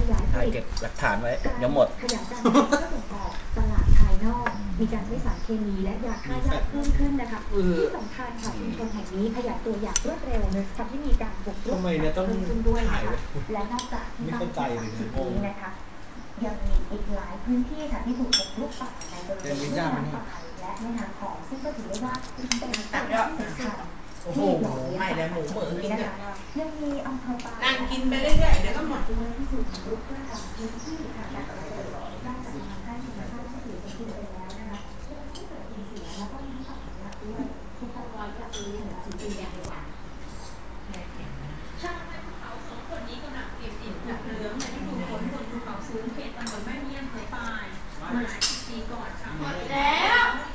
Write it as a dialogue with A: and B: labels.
A: ยายผ
B: ถ่าย
A: ลิต
B: เก็บหลักฐานไว้เดี๋ยวหมด
A: ขยายการผลิตเพื่อส่งออกตลาดภายนอกมีการใช้สารเคมีและยาฆ่าหญ้าเพิ่มขึ้นนะคะที่สำคัญค่ะชุมชนแห่งนี้ขยายตัวอย่างรวดเร็วทำให้มีการบุกรุกเพิ่มขึ้นด้วยนะคะและนอกจากที่ตั้งที่30นี้นะคะยังมีอีกหลายพื้นที่ค่ะที่ถูกบุกรุกป่าในบริเวณแม่น้ำปายและแม่น้ำของซึ่งก็ถือได้ว่าเป็นจุดที่สำคัญที่หล่อเลี้ยงสัตว์ป่าชนิดนี้นะคะยังมีอำเภอปาย
C: นั่งกินไปเรื่อยๆเดี๋ยวก็หมด
A: ด้วยที่ถูกบุกรุกเพื่อทำพื้นที่ทางการเกษตรนอกจากทำให้ธรรมชาติที่ถือเป็นที่ไปแล้วนะคะยังไม่เกิดสูญเสียแล้วก็มีสัตว์เลี้ยงด้วยที่ต้องรอจะซื้อถึง4 ปีอย่างดีกว่า
D: ช่างในภูเขาสองคนนี้กำลังเก็บอิฐจากเหลืองในฤดูฝนบนภูเขาสูงเขตตำบลแม่เมี่ยงอำเภอปายเมื่อหลายสิบปีก่อนค่ะแล้ว